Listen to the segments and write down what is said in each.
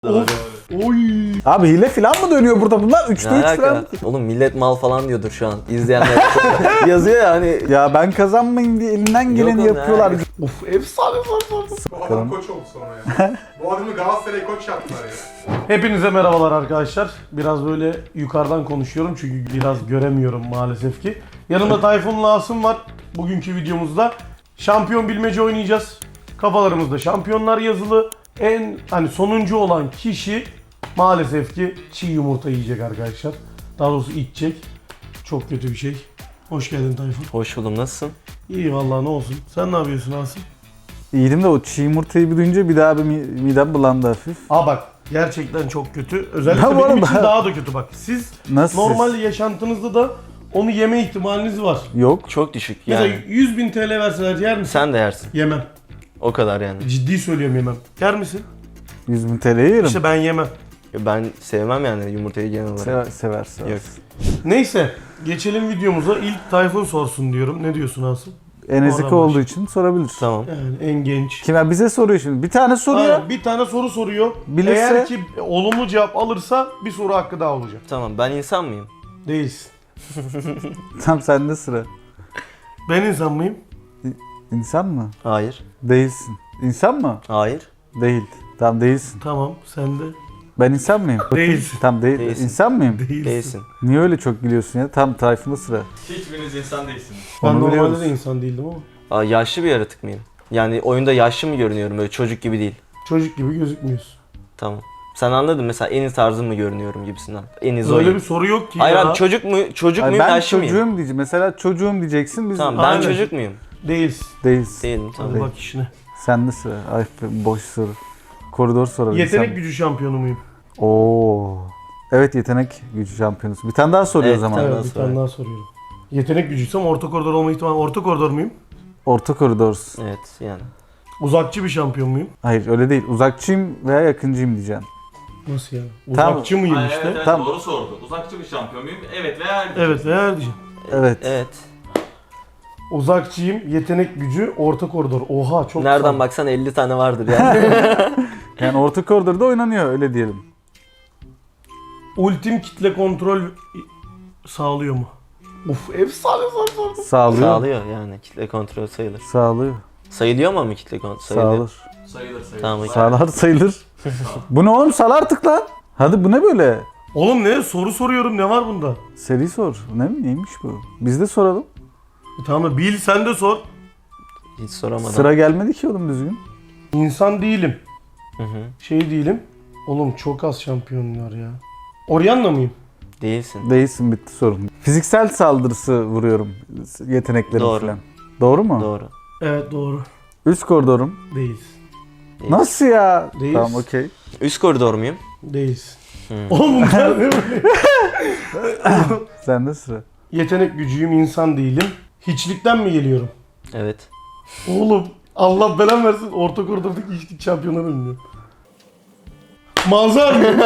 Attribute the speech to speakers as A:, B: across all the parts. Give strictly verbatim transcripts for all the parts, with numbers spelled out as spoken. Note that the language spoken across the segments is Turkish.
A: Of. Oy.
B: Abi hile falan mı dönüyor burada bunlar? üçte üç falan.
C: Oğlum millet mal falan diyordur şu an. İzleyenler yazıyor ya hani.
B: Ya ben kazanmayayım diye elinden geleni
C: Yok
B: yapıyorlar.
C: ya.
A: Of efsane efsane.
D: Bu adam koç oldu sonra ya. Bu adamı Galatasaray'a koç yaptılar ya.
A: Hepinize merhabalar arkadaşlar. Biraz böyle yukarıdan konuşuyorum çünkü biraz göremiyorum maalesef ki. Yanımda Tayfun'la Asım var. Bugünkü videomuzda şampiyon bilmece oynayacağız. Kafalarımızda şampiyonlar yazılı. En hani sonuncu olan kişi maalesef ki çiğ yumurta yiyecek arkadaşlar. Daha doğrusu içecek. Çok kötü bir şey. Hoş geldin Tayfun.
C: Hoş buldum, nasılsın?
A: İyi vallahi, ne olsun. Sen ne yapıyorsun Asım?
B: İyiydim de o çiğ yumurtayı bir duyunca bir daha bir mi- midem bulandı hafif.
A: Aa bak, gerçekten çok kötü. Özellikle
B: Ya bu
A: benim
B: arada-
A: için daha da kötü bak. Siz
B: Nasıl
A: normal
B: siz?
A: yaşantınızda da onu yeme ihtimaliniz var.
B: Yok.
C: Çok düşük
A: Mesela
C: yani.
A: yüz bin T L verseler yer misin?
C: Sen de yersin.
A: Yemem.
C: O kadar yani.
A: Ciddi söylüyorum, yemem. Yer misin?
B: yüz bin T L'yi yerim.
A: İşte ben yemem.
C: Ben sevmem yani yumurtayı genel olarak.
B: Sever, sever, sever.
C: Yok.
A: Neyse, geçelim videomuza. İlk Tayfun sorsun diyorum. Ne diyorsun Asım?
B: Enezika
A: Oradan
B: olduğu için sorabilir.
C: Tamam.
A: Yani en genç.
B: Kime bize soruyor şimdi. Bir tane soruyor.
A: Aynen, bir tane soru soruyor.
B: Bilirse-
A: Eğer ki olumlu cevap alırsa bir soru hakkı daha olacak.
C: Tamam, ben insan mıyım?
A: Değilsin.
B: Tam sende sıra.
A: Ben insan mıyım?
B: İnsan mı?
C: Hayır.
B: Değilsin. İnsan mı?
C: Hayır.
B: Değil. Tam değilsin.
A: Tamam, sen de.
B: Ben insan mıyım?
A: Değilsin.
B: Tam değil.
C: Değilsin.
B: İnsan mıyım?
A: Değilsin.
C: Değilsin.
B: Niye öyle çok gülüyorsun ya? Tam Tayfun'da sıra.
E: Hiçbiriniz insan değilsiniz.
A: Ben
B: Onu
A: normalde
B: biliyoruz.
A: de insan değildim ama.
C: Aa, yaşlı bir yaratık mıyım? Yani oyunda yaşlı mı görünüyorum, böyle çocuk gibi değil.
A: Çocuk gibi gözükmüyorsun.
C: Tamam. Sen anladın, mesela Eniz tarzı mı görünüyorum gibisinden. Eniz
A: Öyle
C: oyun.
A: bir soru yok ki
C: Hayır
A: ya.
C: abi, çocuk mu çocuk
B: Ay
C: muyum,
B: ben
C: yaşlı
B: çocuğum
C: mıyım?
B: diyeceğim. Mesela çocuğum diyeceksin. Biz
C: Tamam, ben
A: Aynen.
C: çocuk muyum?
A: Değilsin.
B: değilsin.
C: Değilim, tamam.
A: Hadi bak işine.
B: Sende sıra. Ay boş soru. Koridor sorabilirsin.
A: Yetenek gücü şampiyonu muyum?
B: Oo. Evet, yetenek gücü şampiyonusu. Bir tane daha soruyor
C: Evet,
B: o zaman.
C: bir tane
A: Evet,
C: daha
A: bir
C: sorayım.
A: tane daha soruyorum. Yetenek gücüysem orta koridor olma ihtimali. Orta koridor muyum?
B: Orta koridor.
C: Evet yani.
A: Uzakçı bir şampiyon muyum?
B: Hayır öyle değil. Uzakçıyım veya yakıncıyım diyeceksin.
A: Nasıl yani?
B: Tamam.
A: Uzakçı mıyım
E: Hayır,
A: işte?
E: evet, evet,
B: Tamam.
E: doğru sordu. Uzakçı bir şampiyon muyum? Evet veya hayır.
A: Evet veya diyeceğim.
B: Evet.
C: Evet.
A: Uzakçıyım, yetenek gücü, orta koridor. Oha çok
C: Nereden
A: sağ-
C: baksan elli tane vardır yani.
B: Yani orta koridorda oynanıyor öyle diyelim.
A: Ultim kitle kontrol sağlıyor mu? Uf, efsane soru sordum.
B: Sağlıyor.
C: Sağlıyor yani, kitle kontrol sayılır.
B: Sağlıyor.
C: Sayılıyor mu ama kitle kontrol? Sayılıyor.
B: Sağlar.
E: Sayılır sayılır.
C: Tamam, okey.
B: Sağlar sayılır. Bu ne oğlum? Sal artık lan. Hadi bu ne böyle?
A: Oğlum ne? Soru soruyorum, ne var bunda?
B: Seri sor. Ne mi? Neymiş bu? Biz de soralım.
A: E tamam, bil sen de sor.
C: Hiç soramadım.
B: Sıra gelmedi ki oğlum düzgün.
A: İnsan değilim.
C: Hı hı.
A: Şey değilim. Oğlum çok az şampiyon var ya. Orianna mıyım?
C: Değilsin.
B: Değilsin, bitti sorun. Fiziksel saldırısı vuruyorum. Yeteneklerim
C: Doğru.
B: falan. Doğru mu?
C: Doğru.
A: Evet doğru.
B: Üst koridorum.
A: Değiliz.
C: Değil.
B: Nasıl ya?
A: Değiliz.
B: Tamam okey.
C: Üst koridor muyum?
A: Değiliz.
C: Hmm.
A: Oğlum bunlar ne böyle?
B: Sende sıra.
A: Yetenek gücüyüm, insan değilim. Hiçlikten mi geliyorum?
C: Evet.
A: Oğlum Allah belan versin, orta koridordaki hiçlik şampiyonları bilmiyorum. Manzar mıyım?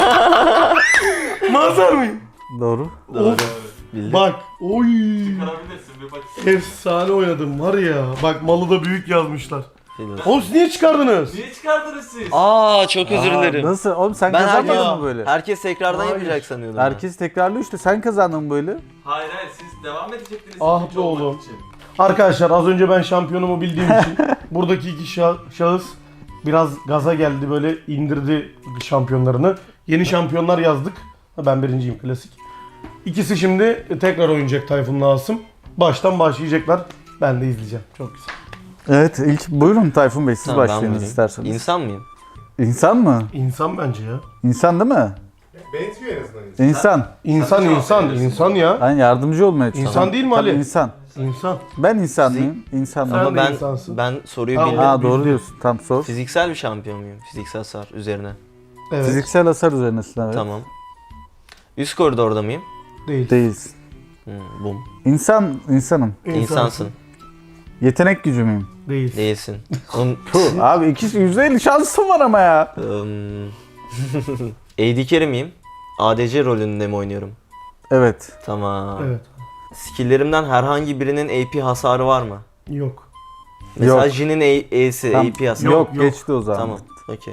A: Manzar mıyım?
B: Doğru.
C: Doğru. Bildim.
A: Bak, oy.
E: Çıkarabilirsin bir bak.
A: Efsane oynadım var ya. Bak, malı da büyük yazmışlar.
C: Bildim.
A: Oğlum siz niye çıkardınız?
E: Niye çıkardınız siz?
C: Aa, çok özür
B: Aa,
C: dilerim.
B: Nasıl? Oğlum sen
C: Ben
B: kazanmadın
C: herkes,
B: mı böyle?
C: herkes tekrardan
A: Hayır.
C: yapacak sanıyordum. ben.
B: Herkes tekrarlıyor işte. Sen kazandın mı böyle.
E: Hayır hayır siz devam edecektiniz.
A: Ah
E: ikinci
A: be
E: olmak
A: oğlum.
E: için.
A: Arkadaşlar az önce ben şampiyonumu bildiğim için buradaki iki şah- şahıs biraz gaza geldi, böyle indirdi şampiyonlarını. Yeni şampiyonlar yazdık. Ben birinciyim, klasik. İkisi şimdi tekrar oynayacak Tayfun'la Asım. Baştan başlayacaklar. Ben de izleyeceğim. Çok güzel.
B: Evet, ilk buyurun Tayfun Bey, siz
C: Tamam, ben
B: başlayınız
C: buyurayım.
B: isterseniz.
C: İnsan mıyım?
B: İnsan mı?
A: İnsan bence ya.
B: İnsan değil mi?
D: Benziyor en azından insan.
B: İnsan.
A: İnsan
E: Sen de
A: insan
E: cevap
A: insan ya.
B: Ben yardımcı olmaya çalışıyorum.
A: İnsan değil mi
B: Tabii
A: Ali?
B: İnsan.
A: İnsan.
B: Ben insan mıyım? İnsan
A: Sen
B: mıyım?
C: Ama
A: de
C: ben
A: insansın.
C: ben soruyu
A: Tamam.
C: bildim.
B: Ha doğru
A: bildim.
B: diyorsun. Tam sor.
C: Fiziksel bir şampiyon muyum? Fiziksel sar üzerine.
A: Evet.
B: Fiziksel hasar üzerinesin evet.
C: Tamam. Üst koridorda mıyım?
A: Değil.
B: Değilsin.
C: Hmm, bum.
B: İnsan, insanım.
C: İnsansın.
B: Yetenek gücü müyüm?
A: Değil.
C: Değilsin. Oğlum,
B: Puh, abi iki yüzde elli şansım var ama ya.
C: ım, A D carry miyim? A D C rolünde mi oynuyorum?
B: Evet.
C: Tamam.
A: Evet.
C: Skill'lerimden herhangi birinin A P hasarı var mı?
A: Yok.
C: Mesela
B: Yok.
C: Jin'in A- E'si
B: Tam-
C: A P hasarı.
B: Yok,
A: yok.
B: geçti o zaman.
C: Tamam. Okey.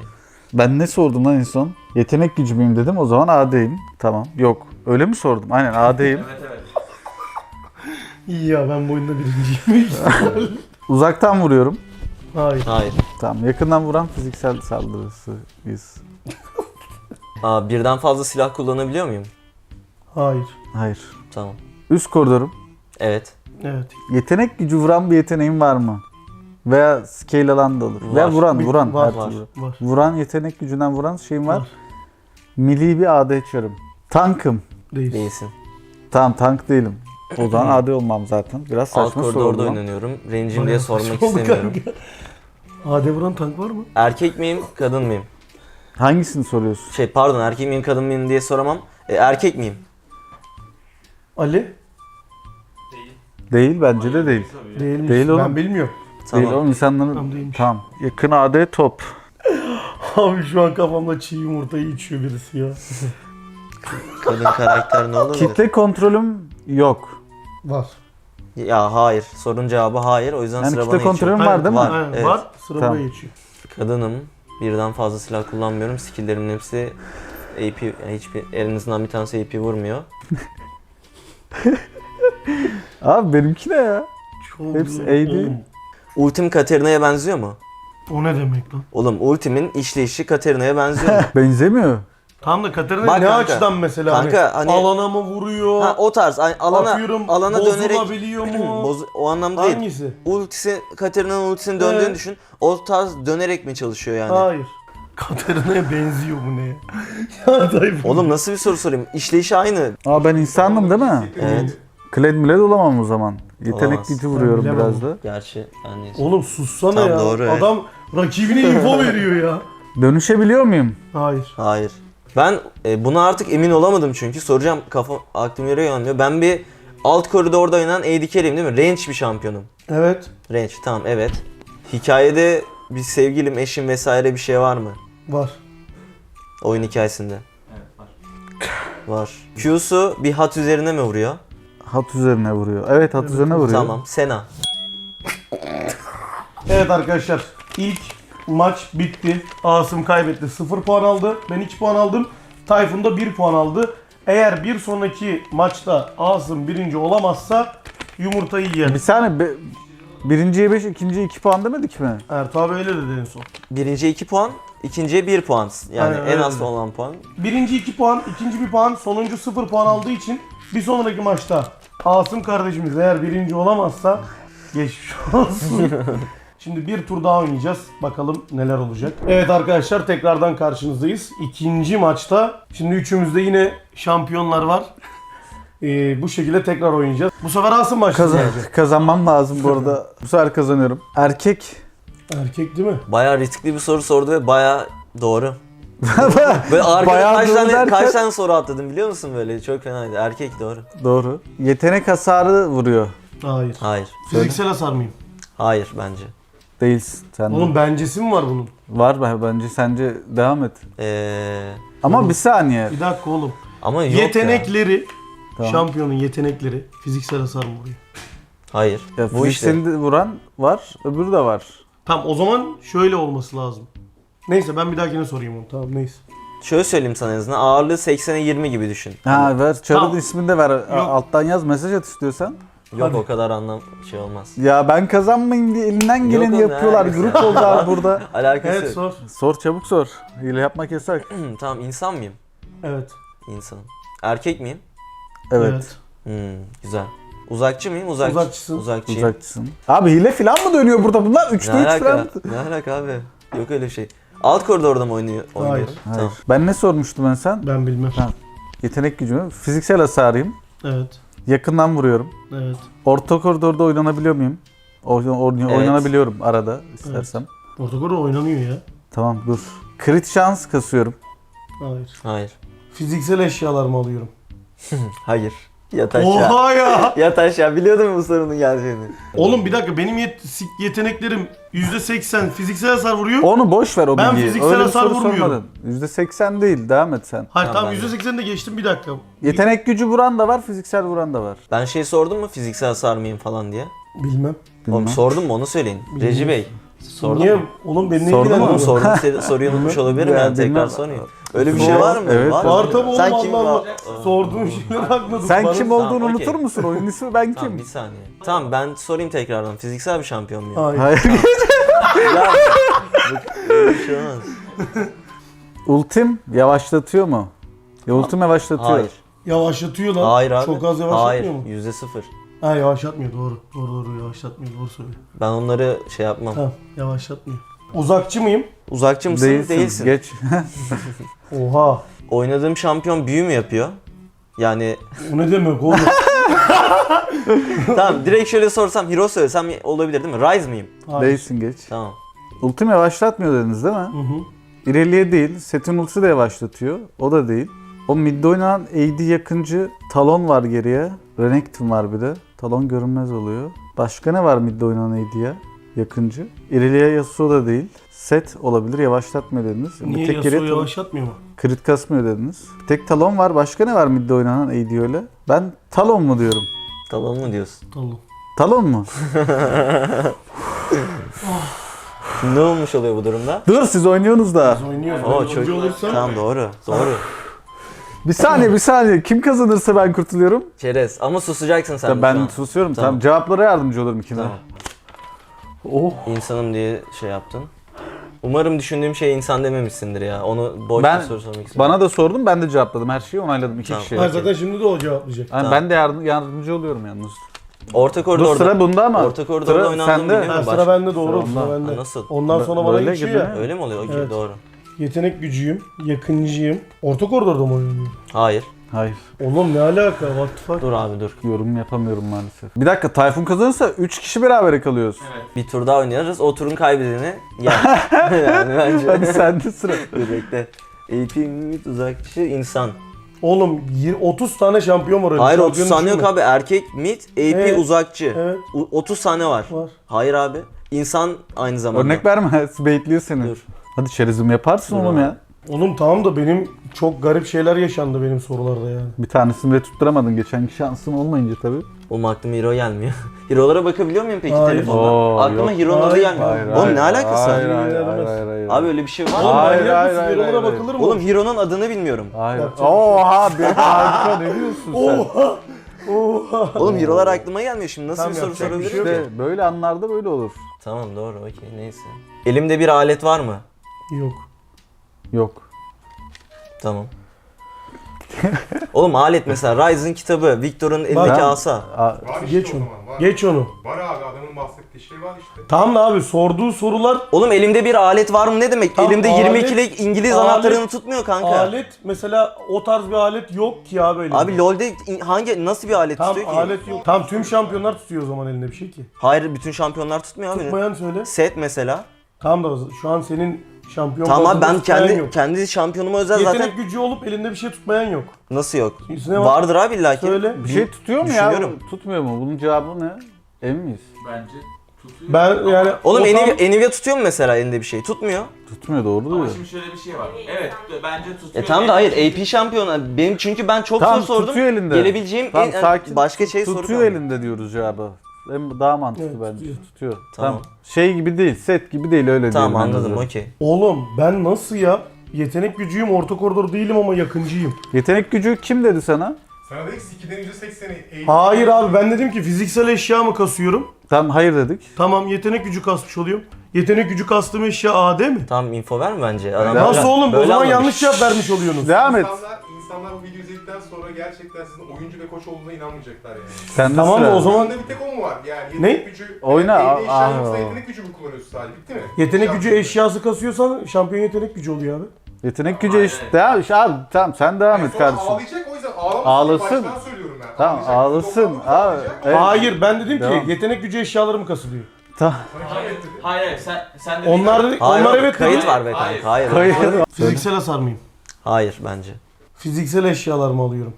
B: Ben ne sordum lan en son? Yetenek gücü müyüm dedim. O zaman A D'yim. Tamam. Yok. Öyle mi sordum? Aynen A D'yim.
E: Evet evet.
A: İyi ya ben bu oyunda birinciyim.
B: Uzaktan vuruyorum.
A: Hayır.
C: Hayır.
B: Tamam. Yakından vuran fiziksel saldırısıyız.
C: Aa, birden fazla silah kullanabiliyor muyum?
A: Hayır.
B: Hayır.
C: Tamam.
B: Üst koridorum.
C: Evet.
A: Evet.
B: Yetenek gücü vuran bir yeteneğim var mı? Veya scale alan da olur.
C: Var.
B: Veya vuran,
A: Bir-
B: vuran.
A: var,
B: her
C: var.
B: türlü.
A: Var.
B: Vuran, yetenek gücünden vuran şeyim var.
A: Var.
B: Milli bir A D çarım. Tankım.
A: Değil.
C: Değilsin.
B: Tamam tank değilim. O zaman A D olmam zaten. Biraz
C: Alt
B: saçma soru
C: koridorda
B: oldu lan.
C: oynanıyorum. Range'im diye
A: Bayağı
C: sormak
A: saçma oldu
C: istemiyorum.
A: kanka. A D vuran tank var mı?
C: Erkek miyim, kadın mıyım?
B: Hangisini soruyorsun?
C: Şey pardon, erkek miyim, kadın mıyım diye soramam. E, erkek miyim?
A: Ali?
E: Değil.
B: Değil bence de değil.
E: Tabii.
A: Değilmiş.
B: Değil oğlum.
A: Ben bilmiyorum.
C: Tamam.
B: Değil oğlum insanların...
A: Tamam, değilmiş.
B: Tamam. Yakın A D top.
A: Abi şu an kafamda çiğ yumurtayı içiyor birisi ya.
C: Kadın karakter ne olabilir?
B: Kitle kontrolüm yok.
A: Var.
C: Ya hayır. Sorun cevabı hayır. O yüzden
B: Yani
C: sıra
B: kitle
C: bana geçiyor.
B: kontrolüm var değil mi?
C: Var.
A: Aynen,
C: evet.
A: var. Sıra
B: Tamam.
A: buraya geçiyor.
C: Kadınım. Birden fazla silah kullanmıyorum. Skill'lerimin hepsi A P, yani hiçbir elinizden bir tanesi A P vurmuyor.
B: Abi benimki ne ya?
A: Çok
B: Hepsi
A: güzel.
B: A D.
A: Oğlum,
C: Ultim Katarina'ya benziyor mu?
A: o ne demek lan?
C: Oğlum ultimin işleyişi Katarina'ya benziyor mu?
B: Benzemiyor.
A: Tam da Katarina
C: Bak
A: ne
C: kanka.
A: açıdan mesela?
C: Kanka, hani-
A: alana mı vuruyor?
C: Ha o tarz. Hani alana
A: Atıyorum,
C: alana dönerek
A: bozulabiliyor mu?
C: Boz- o anlamda değil.
A: Hangisi?
C: Ultisi Katarina'nın ultisinin döndüğünü
A: Evet.
C: düşün. O tarz dönerek mi çalışıyor yani?
A: Hayır. Katarina'ya benziyor bu ne ya? Ya Tayfun.
C: Oğlum nasıl bir soru sorayım? İşleyişi aynı.
B: Aa ben insandım değil mi?
C: Evet.
B: Kled miled olamam o zaman. Yetenek
C: Olamaz.
B: gücü vuruyorum
A: Ben
B: biraz
A: bilemem.
B: da.
C: Gerçi ben neyse.
A: Oğlum sussana
C: Tam
A: ya.
C: doğru, evet.
A: Adam rakibine info veriyor ya.
B: Dönüşebiliyor muyum?
A: Hayır.
C: Hayır. Ben e, buna artık emin olamadım çünkü soracağım, kafa aklım yere yönlüyor. Ben bir alt koridorda oynanan A D carry'im değil mi? Range bir şampiyonum.
A: Evet.
C: Range tamam, evet. Hikayede bir sevgilim, eşim vesaire bir şey var mı?
A: Var.
C: Oyun hikayesinde.
E: Evet var.
C: Var. Q'su bir hat üzerine mi vuruyor?
B: Hat üzerine vuruyor. Evet hat üzerine vuruyor.
C: Tamam. Sena.
A: Evet arkadaşlar. İlk maç bitti. Asım kaybetti. sıfır puan aldı. Ben iki puan aldım. Tayfun da bir puan aldı. Eğer bir sonraki maçta Asım birinci olamazsa yumurtayı yer.
B: Bir saniye be, birinciye beş, ikinciye iki puan demedik mi?
A: Ertuğ abi öyle dedi en son.
C: Birinciye iki puan, ikinciye bir puan. Yani
A: Aynen,
C: en
A: öyle
C: az
A: dedi.
C: olan puan.
A: Birinci iki puan, ikinci bir puan, sonuncu sıfır puan aldığı için bir sonraki maçta Asım kardeşimiz eğer birinci olamazsa geçmiş olsun. Şimdi bir tur daha oynayacağız. Bakalım neler olacak. Evet arkadaşlar tekrardan karşınızdayız. İkinci maçta. Şimdi üçümüzde yine şampiyonlar var. Ee, bu şekilde tekrar oynayacağız. Bu sefer Asım başlayacak.
B: Kazan, kazanmam lazım bu arada. Bu sefer kazanıyorum. Erkek.
A: Erkek değil mi?
C: Bayağı riskli bir soru sordu ve bayağı doğru. Böyle arkada
B: Bayağı
C: kaç
B: doğru
C: tane,
B: derken-
C: kaç tane soru atladım biliyor musun böyle? Çok fenaydı. Erkek doğru.
B: Doğru. Yetenek hasarı vuruyor.
A: Hayır.
C: Hayır.
A: Fiziksel hasar mıyım?
C: Hayır bence.
B: Değilsin sen de.
A: Oğlum bencesi mi var bunun?
B: Var be bence sence devam et.
C: Ee,
B: Ama bir saniye.
A: Bir dakika oğlum.
C: ama yok ya.
A: Yetenekleri,
B: Tamam.
A: şampiyonun yetenekleri fiziksel hasar mı vuruyor?
C: Hayır.
B: Ya
C: Bu işte.
B: fiziksel vuran var, öbürü de var.
A: Tamam o zaman şöyle olması lazım. Neyse ben bir dahakine sorayım onu. Tamam neyse.
C: Şöyle söyleyeyim sana en azından. Ağırlığı seksene yirmi gibi düşün.
B: Ha ver, çarın
A: Tamam.
B: ismini de ver. A- Alttan yaz, mesaj at istiyorsan.
C: Yok
A: Hadi.
C: o kadar anlam şey olmaz.
B: Ya ben kazanmayayım diye elinden geleni
C: oğlum, ne
B: yapıyorlar.
C: alakası
B: Grup
C: ya?
B: oldular burada.
C: Alakası
A: Evet
C: yok.
A: sor.
B: Sor çabuk sor. Hile yapmak yasak.
C: Tamam, insan mıyım?
A: Evet.
C: İnsanım. Erkek miyim?
B: Evet.
C: Hmm, güzel. Uzakçı mıyım? Uzakçı.
A: Uzakçısın.
C: Uzakçıyım.
B: Uzakçısın. Abi hile falan mı dönüyor burada? Bunlar
C: Ne
B: üçte üç
C: alaka?
B: falan.
C: Ne alaka abi? Yok öyle bir şey. Alt koridorda mı oynuyor?
A: Hayır.
C: oynuyorum?
B: Hayır.
C: Tamam.
B: Ben ne sormuştum ben sen?
A: Ben bilmem.
B: Ha. Yetenek gücümü. Fiziksel hasarıyım.
A: Evet.
B: Yakından vuruyorum.
A: Evet.
B: Orta koridorda oynanabiliyor muyum? Oyn- oyn-
C: Evet.
B: Oynanabiliyorum arada istersem.
A: Ortakoru oynanıyor ya.
B: Tamam dur. Crit şans kasıyorum.
A: Hayır.
C: Hayır.
A: Fiziksel eşyalar mı alıyorum?
C: Hayır. Yat aşağı.
A: Oha ya!
C: Yat aşağı. Biliyordum bu sorunun geleceğini.
A: Oğlum bir dakika benim yet- si- yeteneklerim yüzde seksen fiziksel hasar vuruyor.
B: Onu boş ver o
A: Ben
B: bilgiyi.
A: fiziksel
B: Öyle bir
A: hasar
B: soru
A: vurmuyorum.
B: sormadın. yüzde seksen değil. Devam et sen.
A: Hayır
C: Tamam,
A: tamam
C: ben de.
A: yüzde seksen de geçtim bir dakika.
B: Yetenek gücü vuran da var, fiziksel vuran da var.
C: Ben şey sordum mu fiziksel hasar mıyım falan diye.
A: Bilmem.
C: Oğlum
B: Bilmem.
C: sordum mu onu söyleyin. Reji Bey. Sordun
A: Niye?
C: mu?
A: Oğlum beni ne
B: Sordun
C: Oğlum
A: ilgilendiriyor?
C: sordum seni- soruyu unutmuş olabilirim
B: Ya,
C: yani tekrar
B: bilmem.
C: sorayım. Öyle bir şey var mı?
B: Evet.
C: Var,
A: Var
C: mı?
A: tabi oğlum
C: Sen
A: Allah
C: kim
A: Allah.
C: var?
A: Sorduğum şeyler haklısın.
B: Sen
A: Bana-
B: kim
C: Tamam,
B: olduğunu
C: okey.
B: unutur musun? Oyunun ismi ben
C: Tamam
B: kim?
C: bir saniye. Tamam ben sorayım tekrardan. Fiziksel bir şampiyon muyum?
A: Hayır.
B: Hayır.
C: Ya, bu- böyle bir şey olmaz.
B: Ultim yavaşlatıyor mu? Ya ultim yavaşlatıyor.
C: Hayır.
A: Yavaşlatıyor lan.
C: Hayır abi.
A: Çok az yavaşlatmıyor
C: Hayır.
A: mu?
C: Yüzde sıfır.
A: Ha yavaşlatmıyor doğru. Doğru doğru yavaşlatmıyor doğru söylüyor.
C: Ben onları şey yapmam.
A: Tamam yavaşlatmıyor. Uzakçı mıyım?
C: Uzakçı mısın?
B: Değilsin.
C: Değilsin.
B: Geç.
A: Oha.
C: Oynadığım şampiyon büyü mü yapıyor? Yani
A: O ne demek oğlum?
C: tamam direkt şöyle sorsam hero söylesem olabilir değil mi? Rise miyim?
A: Hayır.
B: Değilsin geç.
C: Tamam.
B: Ultim yavaşlatmıyor dediniz değil mi?
A: Hı hı.
B: İleriye değil. Setin ultisi de yavaşlatıyor. O da değil. O midde oynanan A D yakıncı Talon var geriye. Renekton var bir de. Talon görünmez oluyor. Başka ne var midde oynanan A D'ye? Yakıncı. İleriye Yasuo da değil. Set olabilir. Yavaşlatmıyor dediniz. Bir
A: Niye
B: tek
A: Yasuo
B: geriye Talon-
A: yavaşlatmıyor mu?
B: Crit kasmıyor dediniz. Bir tek Talon var. Başka ne var midde oynanan A D öyle? Ben Talon mu diyorum?
C: Talon mu diyorsun?
A: Tamam.
B: Talon mu?
C: Ne olmuş oluyor bu durumda?
B: Dur siz oynuyorsunuz da.
A: Biz oynuyoruz.
C: Oo
A: Ben
C: çok.
A: oyuncu olursam
C: Tamam doğru. Doğru.
B: Bir saniye bir saniye. Kim kazanırsa ben kurtuluyorum.
C: Çerez. Ama susacaksın sen de
B: ben
C: şu an.
B: susuyorum.
C: Tamam.
B: Tamam. Cevaplara yardımcı olurum ikine.
C: Tamam.
B: Oh.
C: İnsanım diye şey yaptın. Umarım düşündüğüm şey insan dememişsindir ya. Onu boş
B: Ben-
C: bir soru sormak istiyorum.
B: Bana da sordun ben de cevapladım. Her şeyi onayladım. İki
C: Tamam.
B: kişi.
A: Ha, zaten şimdi de o cevaplayacak.
B: Yani
C: Tamam.
B: ben de yardım, yardımcı oluyorum yalnız.
C: Orta
B: Dur
C: koridorda.
B: sıra bunda ama.
C: Orta koridorda
B: sıra
C: oynandığını
B: sende.
C: biliyorum.
A: Ha,
C: Baş-
A: sıra bende doğru.
B: Sıra
A: Sıra
B: onda.
A: bende.
C: Ha, nasıl?
A: Ondan sonra bana
B: Böyle
A: geçiyor
B: gibi
A: ya.
B: mi?
C: Öyle mi oluyor? Okey
A: Evet.
C: doğru.
A: Yetenek gücüyüm, yakıncıyım. Orta koridorda mı oynuyorum?
C: Hayır.
B: Hayır.
A: Oğlum ne alaka? What the fuck?
C: Dur abi dur.
B: Yorum yapamıyorum maalesef. Bir dakika Tayfun kazanırsa üç kişi beraber kalıyoruz.
E: Evet.
C: Bir tur daha oynarız. O turun kaybedeni yer. yani bence.
B: Hadi sende sıra.
C: Dur bekle. A P mid uzakçı insan.
A: Oğlum yir- otuz tane şampiyon var öyle.
C: Hayır
A: Şampiyon
C: otuz tane yok
A: düşünme.
C: abi. Erkek mid, A P
A: Evet.
C: uzakçı.
A: Evet
C: U- otuz tane var.
A: var.
C: Hayır abi. İnsan aynı zamanda.
B: Örnek verme. Baitliyor seni.
C: Dur.
B: Hadi çerezim yaparsın
C: Dur
B: oğlum
C: abi.
B: ya.
A: Oğlum tamam da benim çok garip şeyler yaşandı benim sorularda yani.
B: Bir tanesini bile tutturamadın. Geçenki şansın olmayınca tabii.
C: Oğlum aklıma hero gelmiyor. Hero'lara bakabiliyor muyum peki
A: Hayır.
C: telefonda?
B: Oo,
C: aklıma
B: yok.
C: hero'nun adı
A: Hayır,
C: gelmiyor.
A: hayır,
C: Oğlum ne alakası var?
B: Hayır hayır
A: Hayır,
B: hayır
A: hayır,
B: hayır. hayır.
C: Abi öyle bir şey var mı?
A: Oğlum
B: Hayır,
A: manyak
B: hayır,
A: mısın?
B: hayır,
A: Hero'lara
B: hayır.
A: bakılır mı?
C: Oğlum hero'nun adını bilmiyorum.
B: Hayır.
A: Yapacak bir şey
B: Oha bir harika ne diyorsun sen?
A: Oha! Oha!
C: Oğlum hero'lar aklıma gelmiyor şimdi. Nasıl
A: Tamam,
C: bir soru
A: yapacak bir
C: sorabilirim
A: şey yok.
C: ki?
B: İşte böyle anlarda böyle olur.
C: Tamam doğru okey neyse. Elimde bir alet var mı?
A: Yok.
B: Yok.
C: Tamam. Oğlum alet mesela Ryzen kitabı, Victor'un elindeki
B: Ben-
C: asa.
B: Aa,
D: Var işte
A: Geç
D: o
A: onu.
D: zaman. Var.
A: Geç onu.
D: Var abi adamın bahsettiği şey var işte.
A: Tamam da abi sorduğu sorular
C: Oğlum elimde bir alet var mı ne demek?
A: Tamam,
C: elimde
A: alet-
C: yirmi ikilik İngiliz
A: alet-
C: anahtarını tutmuyor kanka.
A: alet mesela o tarz bir alet yok ki abi elinde.
C: Abi LoL'de in- hangi nasıl bir alet
A: Tam
C: tutuyor ki?
A: alet yok. Tam tüm şampiyonlar tutuyor o zaman elinde bir şey ki.
C: Hayır bütün şampiyonlar tutmuyor abi.
A: Tutmayan söyle.
C: Set mesela.
A: Tamam da şu an senin şampiyon
C: Tamam abi
A: bazında
C: ben
A: tutmayan
C: kendi
A: yok.
C: kendi şampiyonuma özel
A: Yetenek
C: zaten
A: gücü olup elinde bir şey tutmayan yok.
C: nasıl yok?
A: Üstüne bak.
C: Vardır abi illaki.
A: Söyle.
B: bir şey tutuyor mu ya?
C: Düşünüyorum.
B: Tutmuyor mu? Bunun cevabı ne? Emin miyiz?
E: Bence tutuyor.
A: Ben yani
C: Oğlum
A: o tam-
C: Nvidia, Nvidia tutuyor mu mesela elinde bir şey? Tutmuyor.
B: Tutmuyor doğru
E: Ama
B: diyor.
E: şimdi şöyle bir şey var. Evet bence tutuyor.
C: E tamam da hayır A P şampiyonu. Benim çünkü ben çok
B: Tamam,
C: soru sordum.
B: tutuyor elinde.
C: Gelebileceğim
B: Tamam,
C: en,
B: sakin.
C: başka şey
B: Tutuyor
C: soru kaldı.
B: elinde diyoruz cevabı. Hem daha mantıklı
A: Evet,
B: bence.
A: tutuyor.
B: Tutuyor.
C: Tamam.
B: Tamam. Şey gibi değil, set gibi değil öyle
C: Tamam
B: diyelim.
C: anladım
B: bence.
C: okey.
A: Oğlum ben nasıl ya? Yetenek gücüyüm, orta koridor değilim ama yakıncıyım.
B: Yetenek gücü kim dedi sana?
D: Sana dedik ikiden yüzde sekseni eğitim.
A: Hayır abi ben dedim ki fiziksel eşya mı kasıyorum?
B: Tamam hayır dedik.
A: Tamam yetenek gücü kasmış oluyorum. Yetenek gücü kastığım eşya A D mi?
C: Tamam info ver mi bence? Adam
A: Nasıl
C: böyle-
A: oğlum? O
C: böyle
A: zaman
C: anlamış.
A: yanlış cevap vermiş oluyorsunuz.
B: Devam et.
D: İnsanlar, insanlar bu videoyu izledikten sonra gerçekten sizin oyuncu ve koç olduğuna inanmayacaklar yani.
B: Sen
A: Tamam
B: sıra.
A: da o zaman
D: Oyunda bir tek o mu var? Yani
A: Ne?
D: yetenek gücü...
B: Oyna,
D: Yani
B: aa,
D: evde eşya
B: aa.
D: yoksa yetenek gücü mü kullanıyorsun sadece? Bitti mi?
A: yetenek gücü
D: Şampiyon.
A: eşyası kasıyorsan şampiyon yetenek gücü oluyor abi.
B: Yetenek gücü işte. Devam işte abi tamam sen devam
D: Yani
B: et
D: sonra
B: kardeşim.
D: ağlayacak o yüzden ağlamasın.
B: Ağlasın.
D: Baştan söylüyorum ben.
B: Tamam
D: Ağlayacak.
B: ağlasın.
D: Doktor
B: Abi.
D: ağlayacak.
B: Evet.
A: Hayır ben dedim ki
B: Devam.
A: yetenek gücü eşyalarım kasılıyor.
B: Tamam.
D: Sana kim
E: Hayır,
D: etti?
E: hayır, hayır, sen, sen de
A: Onlar dedik,
C: Hayır,
A: onlar
C: oğlum,
A: evet
C: kayıt
A: dedi.
C: var be
E: Hayır.
C: kanka. Hayır.
B: Hayır.
A: Fiziksel hasar mıyım?
C: Hayır bence.
A: Fiziksel eşyalarımı alıyorum.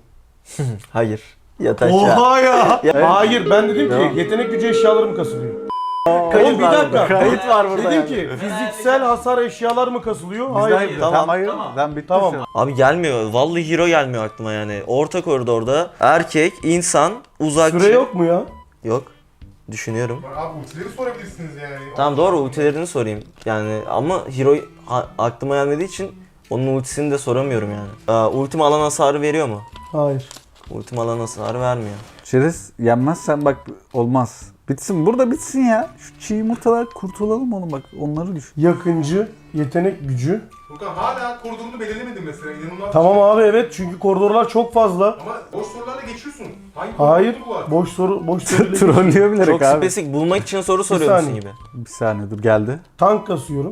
C: Hayır. Yat aşağı.
A: Oha ya.
B: Ya-
A: Hayır ben dedim
B: Devam.
A: ki yetenek gücü eşyalarım kasılıyor.
B: Kayıt
A: Oğlum bir
B: var
A: dakika.
B: burada. Kayıt var burada.
A: Dedim
B: yani.
A: ki fiziksel hasar eşyalar mı kasılıyor? Hayır.
B: Hayır.
C: Tamam.
B: Tamam hayır.
E: Tamam.
B: Ben bitti
A: Tamam.
B: şu an.
C: Abi gelmiyor. Vallahi hero gelmiyor aklıma yani. Orta koridorda erkek, insan, uzakçı.
A: Süre yok mu ya?
C: Yok. Düşünüyorum.
D: Bak abi ultileri sorabilirsiniz yani.
C: Tamam doğru, ultilerini sorayım. Yani ama hero ha- aklıma gelmediği için onun ultisini de soramıyorum yani. Aa, ultim alan hasarı veriyor mu?
A: Hayır.
C: Ultim alan hasarı vermiyor.
B: Çerez yenmezsen bak olmaz. Bitsin burada bitsin ya. Şu çiğ yumurtalar kurtulalım oğlum bak onları düşün.
A: Yakıncı, yetenek gücü.
D: Furkan hala koridorunu belirlemedin mesela. İnanılmaz.
A: Tamam abi evet çünkü koridorlar çok fazla.
D: Ama boş sorularla geçiyorsun. Hangi
A: Hayır.
D: koridor bu var?
A: Boş soru, boş soru.
B: Trollüyor bilerek
C: Çok
B: abi.
C: spesifik bulmak için soru soruyormuşsun
A: saniye.
C: gibi.
B: Bir saniye dur geldi.
A: Tank kasıyorum.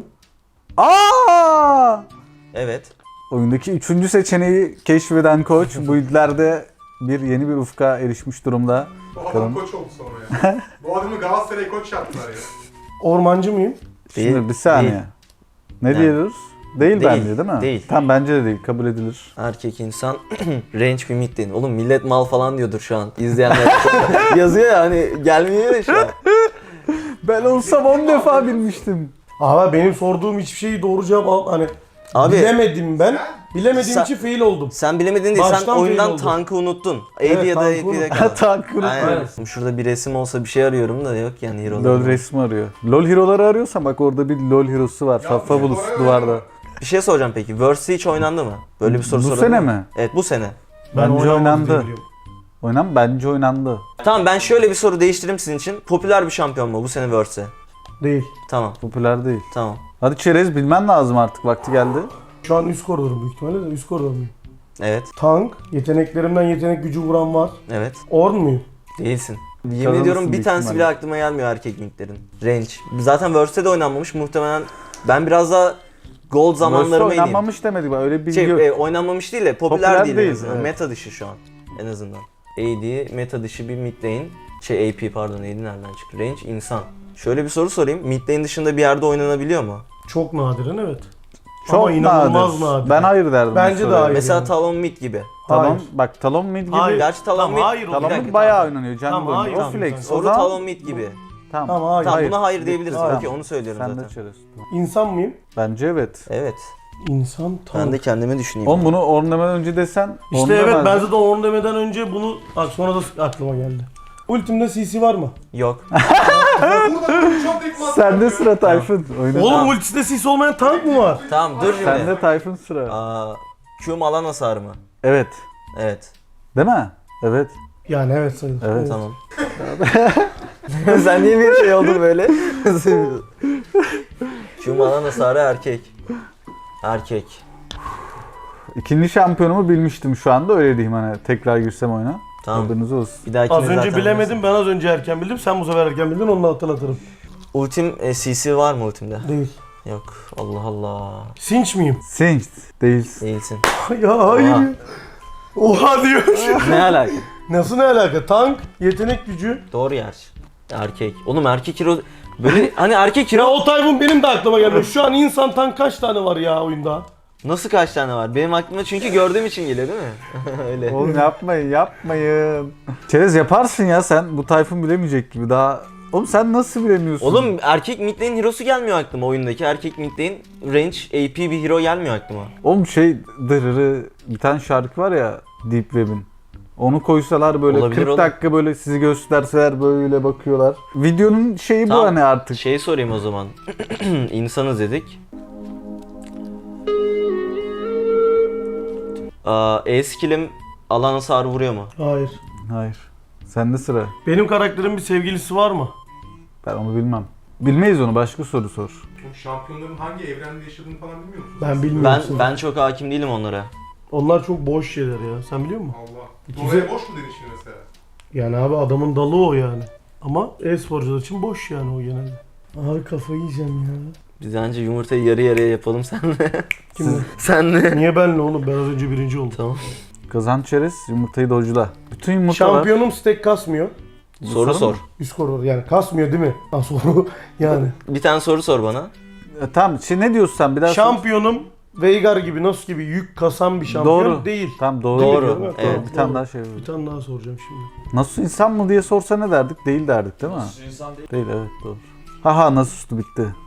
B: Aa!
C: Evet.
B: Oyundaki üçüncü seçeneği keşfeden koç bu idlerde bir yeni bir ufka erişmiş durumda.
D: Bu adam
B: Bakalım.
D: koç oldu sonra ya. Bu adamı Galatasaray koç yaptılar ya.
A: Ormancı mıyım?
C: Değil,
B: Şimdi bir saniye.
C: değil.
B: Ne
C: Yani.
B: diyoruz? Değil,
C: Değil,
B: bence değil mi?
C: değil.
B: Tam bence de değil. Kabul edilir.
C: Erkek insan range bir mid değil. Oğlum millet mal falan diyordur şu an. İzleyenler yazıyor ya hani gelmiyor ya şu an.
B: Ben olsam on defa bilmiştim.
A: Abi benim sorduğum hiçbir şeyi doğru cevap al. Hani
C: Abi
A: bilemedim ben. Bilemediğim
C: Sen-
A: için fail oldum.
C: sen bilemedin değil, sen
A: Baştan
C: oyundan
A: fail oldu.
C: tankı unuttun.
A: Evet,
C: A D ya da
A: tankı
C: A P'de
A: unuttum.
C: kaldı.
B: Tank unutma.
C: Aynen. Şurada bir resim olsa bir şey arıyorum da yok yani hero'lar.
B: LOL resmi arıyor. LOL hero'ları arıyorsan bak orada bir LOL hero'su var.
D: Ya,
B: Fafabulous
D: oraya
B: duvarda.
D: oynama.
C: Bir şey soracağım peki. Verse hiç oynandı mı? Böyle bir soru
B: Bu
C: sorabilir
B: sene
C: miyim?
B: mi?
C: Evet bu sene.
A: Ben
B: Bence
A: oynamadım
B: oynandı.
A: diye biliyorum.
B: Oynan bence oynandı.
C: Tamam ben şöyle bir soru değiştireyim sizin için. Popüler bir şampiyon mu bu sene Verse?
A: Değil.
C: Tamam
B: Popüler değil.
C: tamam.
B: Hadi Çerez bilmen lazım artık vakti geldi.
A: Şu an üst koridorum büyük ihtimalle de üst koridor muyum?
C: Evet
A: Tank, yeteneklerimden yetenek gücü vuran var.
C: evet.
A: Orn muyum?
C: Değilsin. Yemin
B: Kazanırsın
C: ediyorum bir
B: büyük
C: tanesi
B: ihtimalle.
C: bile aklıma gelmiyor erkek midlerin. Range. Zaten Verse'de de oynanmamış muhtemelen. Ben biraz daha gold
B: Verse
C: zamanlarıma ineyim.
B: oynanmamış demedik bak öyle bir bilgi
C: Şey,
B: yok.
C: e, oynanmamış değil de popüler,
B: Popüler
C: değil,
B: değil,
C: en azından.
B: evet.
C: Meta dışı şu an en azından. A D meta dışı bir mid lane. Şey A P pardon A D nereden çıktı? Range insan. Şöyle bir soru sorayım. Mid lane dışında bir yerde oynanabiliyor mu?
A: Çok nadiren evet.
B: Çok
A: Ama inanılmaz
B: nadir.
A: nadir.
B: Ben hayır derdim. bu
A: Bence de
B: soruya.
A: hayır.
C: Mesela
A: yani.
C: Talon mid gibi.
B: Talon,
A: Hayır.
B: bak Talon mid gibi.
A: Hayır.
C: Gerçi Talon
A: Tamam,
C: mid.
A: hayır,
C: Bir
A: o
B: Talon
C: dakika,
B: mid bayağı
C: tamam.
B: oynanıyor. Jungle
A: Tamam, hayır,
B: oynuyor. O
A: tamam,
B: flex.
A: tamam.
B: O
C: Soru
B: zaman
C: Talon mid gibi.
B: tamam.
A: Tamam hayır.
C: Tamam
B: Hayır.
C: buna hayır diyebiliriz.
A: Hayır.
C: Okey onu söylüyorum
B: Sen de
C: zaten.
B: Çerez.
A: İnsan mıyım?
B: Bence evet.
C: Evet.
A: İnsan tank.
C: Ben de kendimi düşüneyim.
B: Oğlum bunu ornamadan önce desen
A: İşte
B: ornama
A: evet ben
B: bence.
A: zaten Orn demeden önce bunu bak sonra da aklıma geldi. Ultimde C C var mı?
C: Yok.
D: Burada çok tek mantık
B: Sende
D: yapıyor.
B: sıra Tayfun. Oyna.
A: Oğlum ultisinde C C olmayan tank mı var?
C: Tamam dur şimdi.
B: Sende Tayfun sıra.
C: Aa, Q'm alan hasarı mı?
B: Evet.
C: Evet.
B: Değil mi? Evet.
A: Yani evet sayılır.
B: Evet.
C: Tamam. Sen niye bir şey oldun böyle? Q'm alan hasarı erkek. Erkek.
B: İkinci şampiyonumu bilmiştim şu anda öyle diyeyim hani tekrar girsem oyuna.
C: Tamam.
B: Haberiniz olsun.
C: Bir dahakine
A: Az önce
C: zaten
A: bilemedim ben az önce erken bildim. Sen bu sefer erken bildin onu da hatırlatırım.
C: Ultim e, C C var mı ultimde?
A: Değil.
C: Yok. Allah Allah.
A: Sinç miyim?
B: Singed değilsin.
C: Değilsin.
A: ya hayır.
C: Oha.
A: Oha diyor.
C: Ne alaka?
A: Nasıl ne alaka? Tank, yetenek gücü.
C: Doğru yer. Erkek. Oğlum erkek hero böyle hani erkek
A: Ya
C: hero
A: o Tayfun benim de aklıma gelmiyor. Şu an insan tank kaç tane var ya oyunda?
C: nasıl kaç tane var? Benim aklıma çünkü gördüğüm için geliyor değil mi? Öyle.
B: Oğlum yapmayın yapmayın. Çerez yaparsın ya sen bu Tayfun bilemeyecek gibi daha. Oğlum sen nasıl bilemiyorsun?
C: Oğlum erkek mid lane hero'su gelmiyor aklıma oyundaki. Erkek mid lane range A P bir hero gelmiyor aklıma.
B: Oğlum şey dırırı bir tane şarkı var ya Deep Web'in. Onu koysalar böyle
C: Olabilir
B: kırk
C: oğlum.
B: dakika böyle sizi gösterseler böyle bakıyorlar. Videonun şeyi bu
C: Tamam.
B: hani artık.
C: Şey sorayım o zaman. İnsanız dedik. Aa, E-skill'im alan hasarı vuruyor mu?
A: Hayır.
B: Hayır. Sende sıra.
A: Benim karakterin bir sevgilisi var mı?
B: Ben onu bilmem. Bilmeyiz onu başka soru sor.
D: Bu şampiyonların hangi evrende yaşadığını falan bilmiyor musunuz?
A: Ben bilmiyorum.
C: Ben
A: seni.
C: ben çok hakim değilim onlara.
A: Onlar çok boş şeyler ya. Sen biliyor musun?
D: Allah.
A: İkisi-
D: Doğaya boş mu dedin şimdi mesela?
A: Yani abi adamın dalı o yani. Ama e-sporcular için boş yani o genelde. Abi kafayı yiyeceğim ya.
C: Biz bence yumurtayı yarı yarıya yapalım senle.
A: Kimle?
C: senle.
A: Niye benle oğlum? Ben az önce birinci oldum.
C: Tamam.
B: Kazan çerez yumurtayı dojla. Bütün yumurtalar.
A: Şampiyonum stack kasmıyor.
B: Bu
C: Soru
B: soru
C: sor.
B: mu?
A: Üst koridor yani kasmıyor değil mi? Ha soru yani.
C: Bir tane soru sor bana.
B: E, tamam şimdi ne diyorsun sen bir daha sor.
A: Şampiyonum Veigar gibi Nasus gibi yük kasan bir şampiyon
B: Doğru.
A: değil.
B: Tamam doğru.
C: Doğru.
A: Değil mi?
C: Evet.
A: Tamam,
B: Bir tane
A: doğru.
B: daha şey var.
A: Bir tane daha soracağım şimdi.
B: Nasus insan mı diye sorsa ne derdik? Değil derdik değil mi?
E: İnsan değil.
B: Değil evet doğru. Haha Nasus'tu bitti.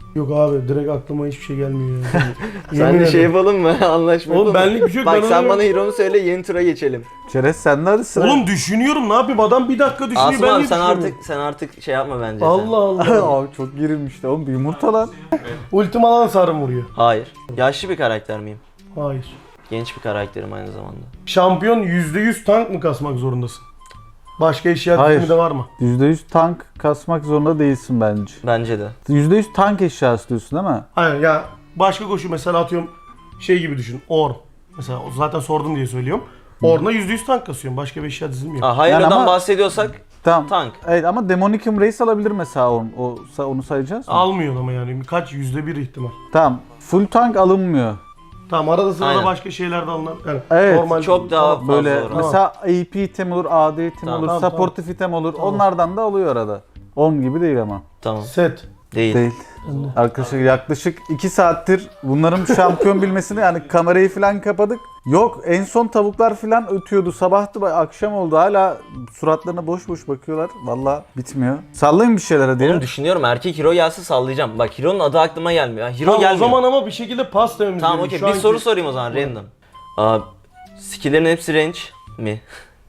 A: Yok abi direkt aklıma hiçbir şey gelmiyor ya.
C: Sen
A: Yemin
C: de şey
A: ederim.
C: yapalım mı? Anlaşma
A: Oğlum
C: yapalım mı?
A: benlik bir şey yok.
C: Bak
A: ben
C: sen
A: onu-
C: bana hero'nu söyle, yeni tura geçelim.
B: Çerez sende hadi sıra.
A: Oğlum düşünüyorum ne yapayım adam bir dakika düşünüyor
C: Asım
A: ben
C: abi
A: niye
C: sen
A: düşünüyorum?
C: artık sen artık şey yapma bence. sen.
A: Allah Allah.
B: Abi çok gerilmişti oğlum, bir yumurta lan.
A: Ultim alan sarım vuruyor.
C: Hayır. Yaşlı bir karakter miyim?
A: Hayır.
C: Genç bir karakterim aynı zamanda.
A: Şampiyon yüzde yüz tank mı kasmak zorundasın? Başka eşya
B: Hayır.
A: dizimi de var mı?
B: yüzde yüz tank kasmak zorunda değilsin bence.
C: Bence de.
B: yüzde yüz tank eşyası diyorsun değil mi?
A: Hayır ya başka koşu mesela atıyorum şey gibi düşün. Orn. Mesela o zaten sordum diye söylüyorum. Orn'a yüzde yüz tank kasıyorum. Başka bir eşya dizim yok.
C: Aa, hayır
B: Yani
C: adam
B: ama-
C: bahsediyorsak
B: Tamam.
C: tank.
B: Evet ama Demonicum Reis alabilir mesela onu, o, onu sayacağız mı?
A: Almıyor ama yani kaç yüzde bir ihtimal.
B: Tamam. Full tank alınmıyor.
A: Tamam arada sırada
C: Aynen.
A: başka şeyler de alınan. Yani
B: Evet,
A: normal
C: çok daha
A: Tamam.
C: fazla
B: Böyle
C: oran.
B: mesela A P item olur, A D item
C: Tamam.
B: olur,
A: Tamam,
B: supportive item olur.
A: Tamam.
B: Onlardan da alıyor arada. on gibi değil ama.
C: Tamam.
A: Set.
C: Değil.
B: Değil. Arkadaşlar yaklaşık iki saattir bunların şampiyon bilmesini, yani kamerayı falan kapadık. Yok, en son tavuklar falan ötüyordu. Sabahtı, akşam oldu. Hala suratlarına boş boş bakıyorlar. Vallahi bitmiyor. Sallayın bir şeyler hadi ya.
C: Oğlum düşünüyorum erkek hero gelse sallayacağım. Bak hero'nun adı aklıma gelmiyor. Ha, hero
A: Tamam, o
C: gelmiyor.
A: zaman ama bir şekilde pas dememiz
C: Tamam
A: gerekiyor.
C: okey.
A: Şu
C: Bir
A: anki-
C: soru sorayım o zaman random. Aa, skill'lerin hepsi range mi?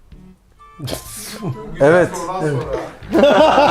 D: Güzel
B: Evet.
D: sorudan sonra.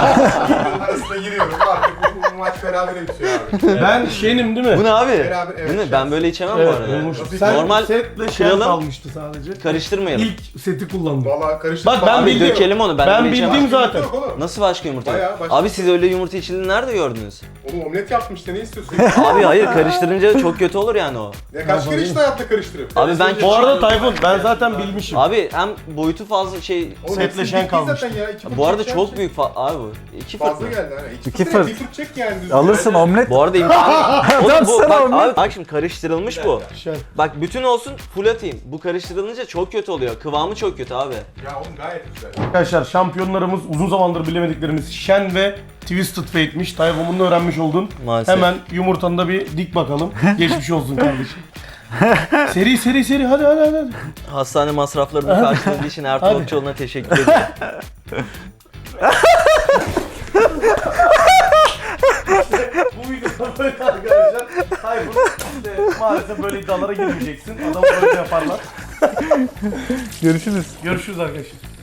D: arasına giriyorum artık bu, bu maç berabere bitiyor abi.
A: Ben şenim değil mi?
C: Bu ne abi?
D: Beraber, evet,
C: Bu ne?
D: şans.
C: Ben böyle içemem bu
A: Evet,
C: arada.
A: olmuş.
D: Nasıl
A: Sen
C: normal
A: setle şen
C: kralım-
A: kalmıştı sadece.
C: Karıştırmayalım.
A: İlk seti kullandım.
D: Valla karıştı.
A: Bak ben
C: Abi
A: bildim.
C: dökelim onu. Ben,
A: Ben
C: böyle içemem.
A: bildim zaten.
D: Yok oğlum.
C: Nasıl başka yumurta?
D: Bayağı başka-
C: Abi siz öyle yumurta içildiğini nerede gördünüz?
D: Oğlum omlet yaptım işte ne istiyorsun?
C: Abi hayır karıştırınca çok kötü olur yani o.
D: ya kaç kere işte hayatta karıştırıp.
C: Abi ben
A: Bu arada Tayfun ben zaten bilmişim.
C: Abi hem boyutu fazla şey
D: Oğlum
A: setle
D: hepsi
A: şen
D: bitti
A: kalmıştı.
D: zaten ya, iki
C: bu arada
D: fırt
C: çok
D: çek
C: büyük fa- abi bu. İki
D: yani.
C: fırt
D: Fazla
C: mı?
D: geldi hani. İki,
B: İki
D: fırt.
B: fırt.
D: Bir fırt çek yani düzgün.
B: Alırsın omlet.
C: Bu arada imkanı Oğlum bu
B: Sana
C: bak,
B: omlet.
C: abi, bak şimdi karıştırılmış bu.
A: Şen.
C: Bak bütün olsun full atayım. Bu karıştırılınca çok kötü oluyor. Kıvamı çok kötü abi.
D: Ya oğlum gayet güzel.
A: Arkadaşlar şampiyonlarımız uzun zamandır bilemediklerimiz Shen ve Twisted Fate'miş. Tayfun bunu öğrenmiş oldun.
C: Maalesef.
A: Hemen yumurtanı da bir dik bakalım. Geçmiş olsun kardeşim. Seri seri seri hadi hadi hadi. hadi.
C: Hastane masraflarını karşıladığı için Ertuğrul
A: Hadi.
C: Okçuoğlu'na teşekkür ederim.
A: Bu videoda böyle arkadaşlar. Tayfun işte maalesef böyle iddialara girmeyeceksin. Adamı böyle yaparlar.
B: Görüşürüz.
A: Görüşürüz arkadaşlar.